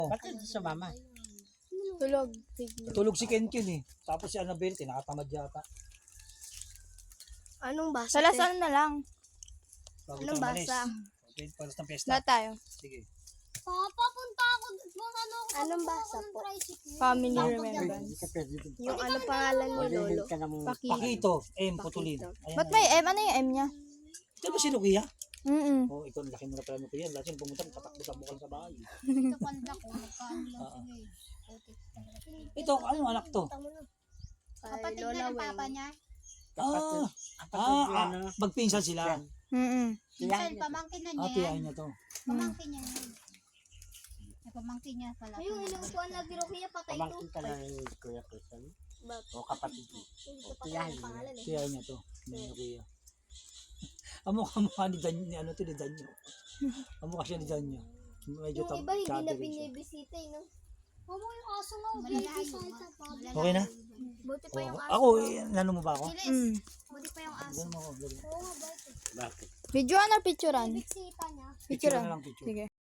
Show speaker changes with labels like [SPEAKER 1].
[SPEAKER 1] Bakit sa mama?
[SPEAKER 2] Tulog.
[SPEAKER 3] Tulog si Kenken eh. Tapos si Annabelle, tinakatamad yata.
[SPEAKER 2] Anong basa?
[SPEAKER 4] Salasal na lang.
[SPEAKER 3] Bago
[SPEAKER 2] Anong
[SPEAKER 3] tayo malis.
[SPEAKER 2] basa?
[SPEAKER 3] Okay, paras ng pesta.
[SPEAKER 4] Lahat tayo.
[SPEAKER 3] Sige.
[SPEAKER 5] Papunta ako kung ano ako.
[SPEAKER 2] Anong basa po?
[SPEAKER 4] Family remembrance.
[SPEAKER 1] Hindi ka pwede dun.
[SPEAKER 2] Yung ano pangalan mo, Lolo?
[SPEAKER 1] Maghihil ka ng
[SPEAKER 4] Pakito.
[SPEAKER 3] Pakito, M. Putulin. Ayan
[SPEAKER 4] Ba't
[SPEAKER 3] na.
[SPEAKER 4] may M? Ano yung M niya?
[SPEAKER 3] Ito ba si Lukia?
[SPEAKER 4] Mm-mm.
[SPEAKER 3] Ikaw, laki mo na pala Lukia. Lahat yung pumunta, tatakbo sa bukal sa bahay.
[SPEAKER 5] Ito panda ko. Magkano lang sila eh.
[SPEAKER 3] Ito, anong anak to?
[SPEAKER 5] Kapatid
[SPEAKER 2] Lola
[SPEAKER 5] na ng
[SPEAKER 2] Weng.
[SPEAKER 5] papa niya.
[SPEAKER 3] Magpinsan sila.
[SPEAKER 4] Mm-mm.
[SPEAKER 5] Minsan pamangkin na niya.
[SPEAKER 3] Tiyahin niya to.
[SPEAKER 5] Pamangkin niya yun. Pamangkin niya pala.
[SPEAKER 2] Ayun, ilang kuwan na biro kaya patay ito.
[SPEAKER 1] pamangkin ka na ni Kuya Christian. O kapatid mo.
[SPEAKER 2] Hindi ko
[SPEAKER 1] Tiyahin
[SPEAKER 2] patay ang
[SPEAKER 1] mo.
[SPEAKER 2] pangalan eh.
[SPEAKER 3] Tiyahin niya to. Ni Lukia. Ang mukha ni Dan, ni ano to, ni Danyo. Ang mukha siya ni Danyo. Medyo
[SPEAKER 2] Yung iba hindi na
[SPEAKER 3] chubby rin siya.
[SPEAKER 2] binibisita eh, no?
[SPEAKER 5] Mama yung aso nga. Malalayo.
[SPEAKER 3] Okay na?
[SPEAKER 2] Buti pa yung aso.
[SPEAKER 3] Ako, nano mo ba ako?
[SPEAKER 4] Mm.
[SPEAKER 5] Buti pa yung aso.
[SPEAKER 3] Ganun ako.
[SPEAKER 2] Oo nga, bakit?
[SPEAKER 1] Bakit?
[SPEAKER 4] Videoan or picturean?
[SPEAKER 5] Biksita niya.
[SPEAKER 3] Picture
[SPEAKER 4] Picturean.
[SPEAKER 3] na lang picture.
[SPEAKER 4] Sige.